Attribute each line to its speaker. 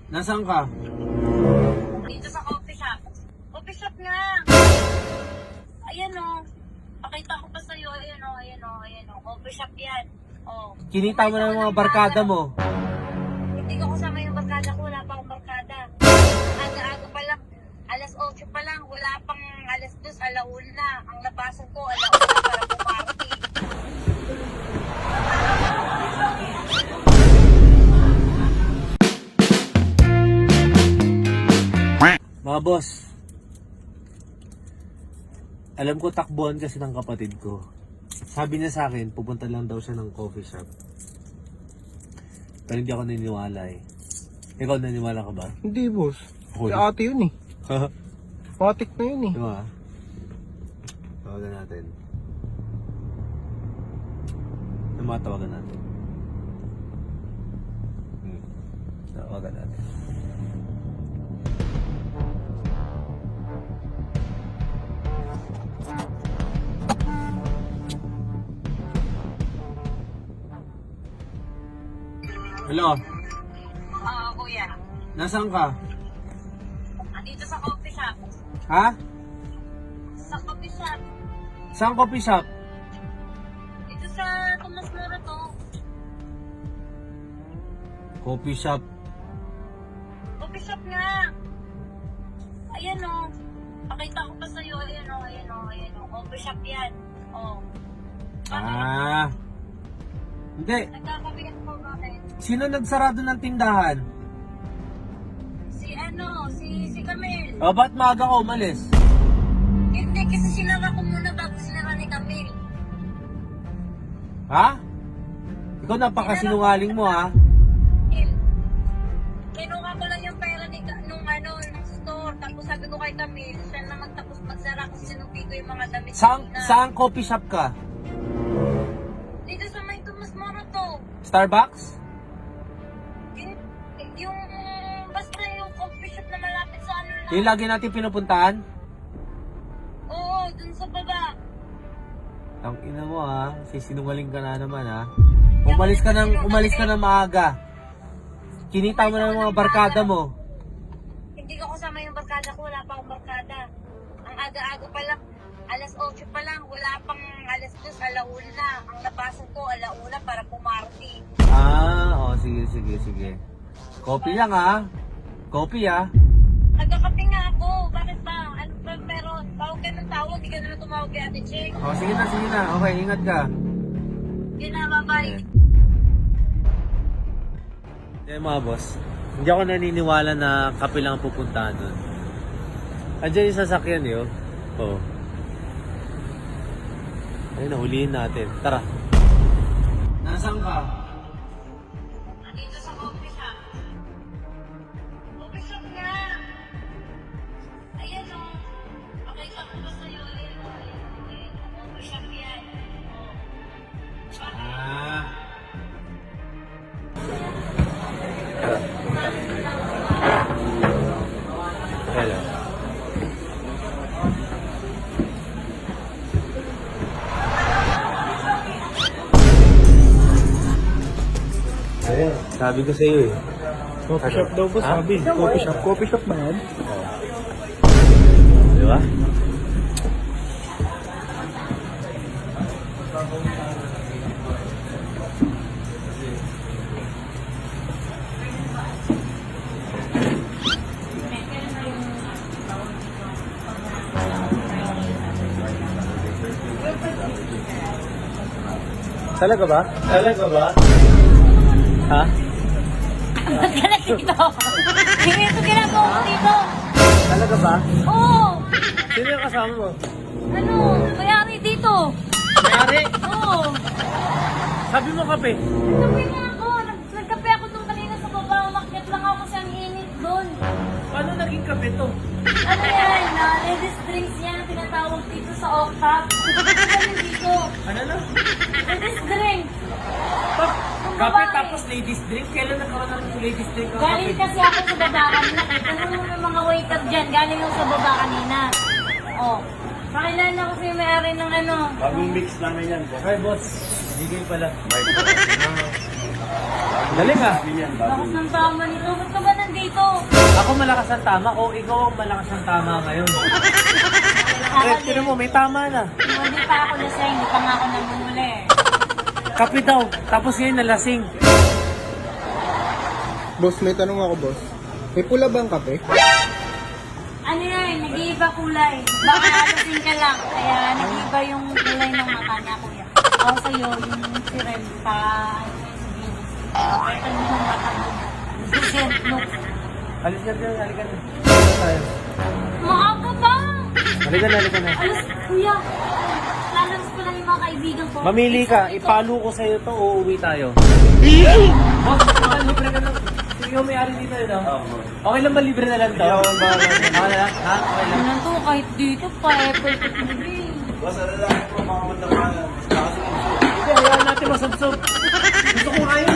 Speaker 1: Nasaan ka?
Speaker 2: Dito sa coffee shop. Coffee shop nga. Ayan o. Pakita ko pa sa'yo. Ayan o, ayan o, ayan o. Coffee shop yan. O.
Speaker 1: Kinita mo na yung mga barkada mo.
Speaker 2: Hindi ko kasama yung barkada ko. Wala pa akong barkada. Aga-aga pa lang. Alas 8 pa lang. Wala pang alas 2, alauna na. Ang labasan ko, alauna para pumarty.
Speaker 1: Mga boss, alam ko takbuhan kasi ng kapatid ko. Sabi niya sa akin, pupunta lang daw siya ng coffee shop. Pero hindi ako naniniwala eh. Ikaw naniniwala ka ba?
Speaker 3: Hindi, boss.
Speaker 1: Ako
Speaker 3: Si
Speaker 1: din.
Speaker 3: ate yun eh. Matik na yun eh.
Speaker 1: Diba? Tawagan natin. Ano mga tawagan natin? Tawagan natin. Hello,
Speaker 2: Oo, kuya.
Speaker 1: nasaan ka?
Speaker 2: Dito sa coffee shop.
Speaker 1: Ha?
Speaker 2: Sa coffee shop.
Speaker 1: Saan coffee shop?
Speaker 2: Dito sa Tomas Moro to.
Speaker 1: Coffee shop.
Speaker 2: Coffee shop nga. Ayan o. Pakita ko pa sa'yo. Ayan o, ayan o, ayan o. Coffee shop yan. O.
Speaker 1: Ah. Hindi.
Speaker 2: Nagkakabigat ko bakit?
Speaker 1: Sino nagsarado ng tindahan?
Speaker 2: Si Camille.
Speaker 1: O, ba't maaga ka umalis?
Speaker 2: Hindi, kasi sinara ko muna bago sinara ni Camille.
Speaker 1: Ha? Ikaw napakasinungaling mo ha?
Speaker 2: Kinuha ko lang yung pera nung store. Tapos sabi ko kay Camille, siya na magtapos magsara kasi sinupi ko yung mga damit.
Speaker 1: Saan coffee shop ka?
Speaker 2: Dito sa may Tomas Moro to.
Speaker 1: Starbucks?
Speaker 2: Yung basta yung coffee shop na malapit sa ano lang.
Speaker 1: Yung lagi natin pinupuntahan?
Speaker 2: Oo, dun sa baba.
Speaker 1: Tang ina mo ha, sisinungaling ka na naman ha. Umalis ka ng maaga. Kinita mo na yung mga barkada mo.
Speaker 2: Hindi ko kasama yung barkada ko, wala pa akong barkada. Ang aga-aga pa lang, alas 8 pa lang, wala pang alas 2, alauna na. Ang labasan ko, alauna para pumarty.
Speaker 1: Ah, sige. Coffee lang ha. Coffee ha.
Speaker 2: Nagkakape nga ako, bakit ba? Ano ba meron? Tawag ka ng tawag, di ka na lang tumawag kay Ate Cheng.
Speaker 1: O, sige na. Okay, ingat ka.
Speaker 2: Yun na, bye-bye.
Speaker 1: Mga boss, hindi ako naniniwala na kape lang ang pupuntahan doon. Andiyan yung sasakyan yun. Oo. Ayun, nahulihin natin. Tara. Nasaan ka?
Speaker 2: Dito sa coffee shop. Coffee shop nga. Ayan o. Pakita ko ba sa'yo? Ayan o, ayan o, ayan o. Coffee shop yan. O.
Speaker 1: Ah. Hello. Ayan, sabi ko sa'yo eh.
Speaker 3: Coffee shop daw po,
Speaker 1: Ha?
Speaker 3: sabi. Coffee shop. Coffee shop ba yan?
Speaker 1: Di ba? Talaga ba? Ha?
Speaker 2: Ba't ka na dito? Hindi ito ginagawa ko dito.
Speaker 1: Talaga ba?
Speaker 2: Oo.
Speaker 1: Sino yung kasama mo?
Speaker 2: Ano? Mayari dito.
Speaker 1: Mayari?
Speaker 2: Oo.
Speaker 1: Sabi mo kape.
Speaker 2: Nagkape nga ako. Nagkape ako doon kanina sa baba. Umakyat lang ako kasi ang init doon.
Speaker 1: Paano naging kape to?
Speaker 2: Ano yan? Ladies drinks yan. Tinatawag dito sa Octap. Ano dito?
Speaker 1: Ano na?
Speaker 2: Ladies drinks.
Speaker 1: Kape tapos ladies drink? Kailan nagkaroon ng ladies drink ang
Speaker 2: Galing
Speaker 1: kape?
Speaker 2: kasi ako sa baba kanina. Kahit ano yung mga waiter dyan. Galing ako sa baba kanina. Oh. Pakilala ko sa'yo may-ari ng ano.
Speaker 3: Bagong mix namin yan.
Speaker 1: Hi boss. Bigay pala. Galing ah.
Speaker 2: Bakit ng tama nito? Ba't ka ba nandito?
Speaker 1: Ako malakas ang tama o ikaw ang malakas ang tama ngayon? Tira mo, may tama na.
Speaker 2: Hindi pa ako lasing, hindi pa nga ako namumuli.
Speaker 1: Kape daw, tapos ngayon nalasing.
Speaker 3: Boss, may tanong ako, boss. May pula bang kape?
Speaker 2: Ano yan, nag-iiba kulay. Baka lasing ka lang, kaya nag-iiba yung kulay ng mata niya, kuya. Ako sa'yo, yung sirem pa, ano yun, sabihin. Ito yung mata mo. No.
Speaker 1: Alis na dyan, halika na. Halika tayo.
Speaker 2: Maaga ba?
Speaker 1: Halika na, halika na.
Speaker 2: Alas, kuya. Lalabas ko lang yung mga kaibigan ko.
Speaker 1: Mamili ka, ipalo ko sa'yo to o uuwi tayo. Boss, libre ka lang. Sige mo may-ari dito yun, no? Okay lang ba libre na lang to? Okay na lang? Ha? Okay lang.
Speaker 2: Ano to, kahit dito pa, Apple to TV.
Speaker 1: Hindi, hayaan natin masubsob. Gusto ko ngayon